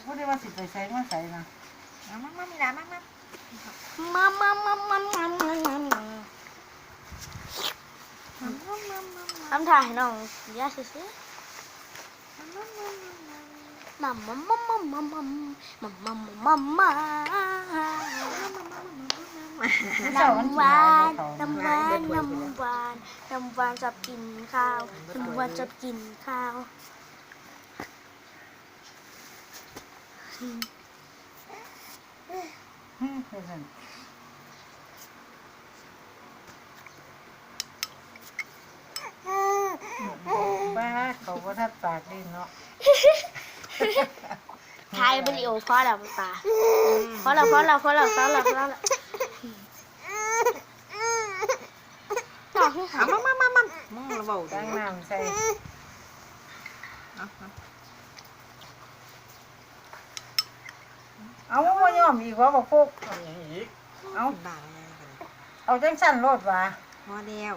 บ่ได้ว่าสิไปใส่มาใส่นะมามีหลานมาทำถ่ายน้องย่าซื้อมัมมัมมัมมัมมัมมัมมัมมัมมัมมัมน้ำหวานน้ำหวานน้ำหวานน้ำหวานชอบกินข้าวน้ำหวานชอบกินข้าวบ้าเขาบ่ทัดปากดิเนาะถ่ายวิดีโอพอแล้วตาพอแล้วมามึงระเบิดตั้งน้ำใส่เอาบ่ยอมอีกว่าบ่ฟุกเอาบ้าเอาจังสั่นโลดว่าพอแล้ว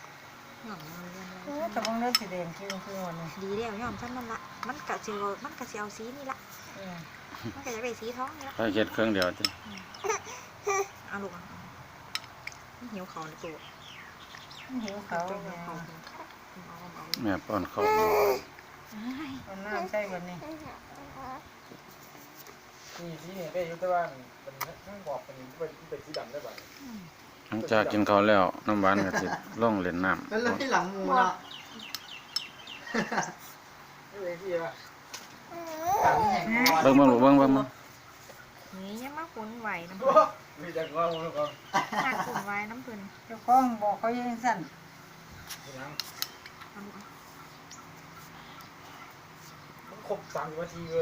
จะบ่เล่นสีแดงคือวันนี้ดีแล้วย่อมฉันมันละมันกะเสียวสีนี่ละมันกะจะได้สีท้องนี่ละไปเฮ็ดเครื่องเดียวติเอาลูกหิวเขาในตัวหิวเขาแม่ป้อนข้าวเอาน้ำใส่วันนี้สีเนี่ยได้ยุติว่ามันทั้งบอกเป็นสีดำได้ป่ะหลังจากกินข้าวแล้วน้ำหวานก็สิลงเล่นน้ำเป็นเรื่องที่หลังมูละนี่เลยที่ว่าหลังแห่งเบิ่งลูกเบิ่งนี่ยังมาขุนไหวน้ำมีแต่ก้อนมูลก้อนหักขุนไหวน้ำพื้นเจ้าของบอกเขายังสั่นมันครบ3 นาทีเลย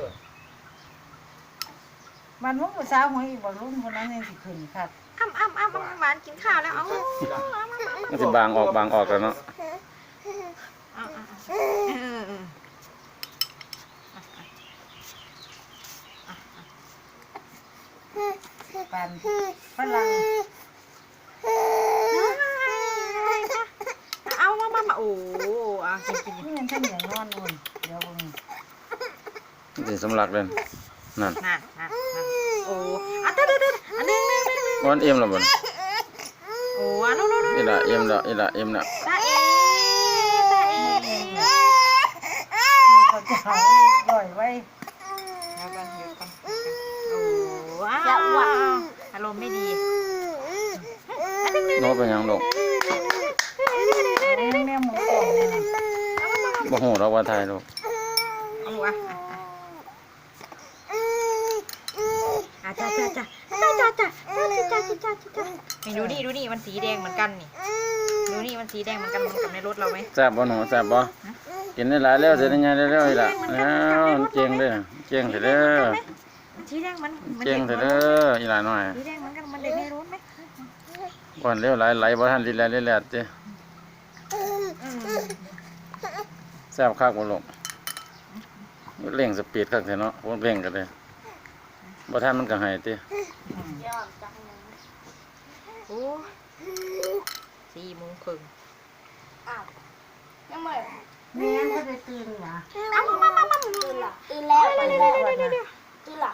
มันมุกภาษาวหัวอีกบ่รุ่นคนนั้นยังสิขึ้นครับอ้ำหวานกินข้าวแล้วเอามันสิบางออกแล้วเนาะปันฝรั่งเอามาโอ้อ่ะกินนี่มันท่านอย่างนอนนู่นเดี๋ยวเบิ่งมันสิสำลักเลยนั่นน่ะโอ้อ่ะเด้ออันนึงวันเอ็มแล้วบ่โอ้อ่ะนู่นอีละเอ็มแล้วตาเอเขาจะหาลอยไว้โอ้ว้าวอารมณ์ไม่ดีโน้ตเป็นหยังลูกแม่หมูกรอบเนี่ยบ่ฮู้ดอกว่าไทยลูกเอาลูกจ้าดูนี่มันสีแดงเหมือนกันนี่ดูนี่มันสีแดงเหมือนกันกับในรถเราไหมแซ่บบ่หนูแซ่บบ่กินได้หลายแล้วสิได้ใหญ่เร็วๆอีละแล้วเก่งเด้อเก่งเถอะเด้อสีแดงมันเก่งเถอะเด้ออีหลาน้อยสีแดงเหมือนกันมันเด็กในรถไหมก่อนเร็วไหลบ่ทันลิแลดติแซ่บคักบ่ลูกเร่งสปีดคักแท้เนาะบ่เร่งก็ได้บ่ทันมันก็ให้ติโอ้4 โมงครึ่งยังไม่แม่ก็ได้ตื่นนะตื่นแล้วตื่นละ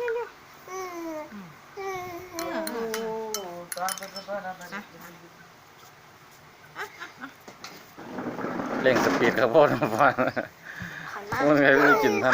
เร่งสปีดครับพ่อน้ำฟ้ามันไงไม่กินท่าน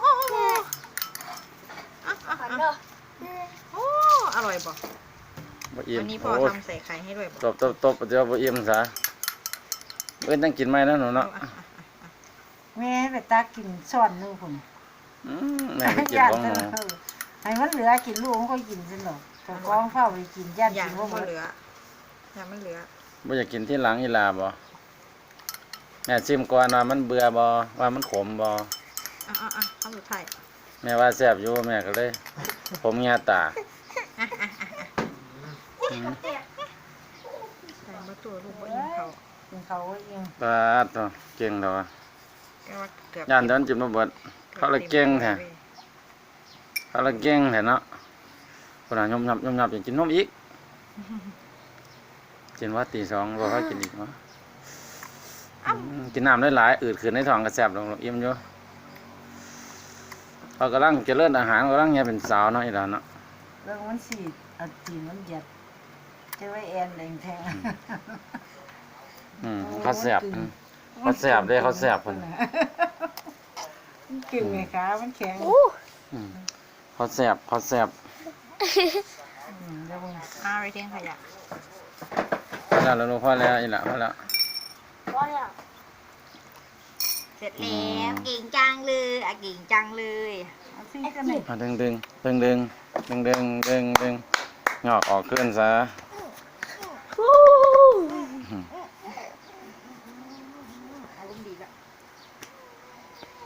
โอ้อร่อยป่ะบ่อิ่มวันนี้พ่อโอ้ทำใส่ไข่ให้ด้วยป่ะตบเดี๋ยวบ่อิ่มซะเอ้ยต้องกินไหมนะหนูเนาะแม่ไปตักกินช้อนนึงพุ่นแม่ไปกินของหนูให้มันเหลือกินลูกมันก็กินสิหรอกแต่กองเฝ้าไปกินย่านอย่ากิงนว่าหมไม่ดเหลืออย่างไม่เหลือบ่อยากกินที่หลังอีลาบ่แม่ชิมก่อนว่ามันเบื่อบ่ว่ามันขมบ่ข้าวสุดท้ายแม่ว่าแซ่บอยู่แม่ก็เลยผมเงียตาใส่มาตัวลูกว่ายิงเขากินเขาก็ยิงปาดตัวเก่งดอกเกือบย่านเดินจิ้มบ่เบิดเขาเลยเก่งแท้เขาเลยเก่งแท้เนาะคนน่ะยมยับอยากกินนมอีกกินว่าตี 2บ่ค่อยกินอีกเนาะกินน้ำหลายๆอืดขึ้นในท้องก็แซ่บลงอิ่มอยู่เขากำลังเจริญอาหารกำลังเนี่ยเป็นสาวเนาะอีหลานเนาะเรื่องมันสีเอาตีนมันเหยียดจะไว้แอนแดงแทงเขาแสบเขาแสบเด้เขาแสบเพิ่นมันกึ่งไงคะมันแข็งอืมเขาแสบเขาแสบเดี๋ยวมึงเอาไปทิ้งขยะพอแล้วลูกพอแล้วอีหละพอแล้วว่าเนี่ยเสร็จแล้วเก่งจังเลยอ่ะเก่งจังเลยเอาสิกันหน่อยดึงงอกออกขึ้นซะ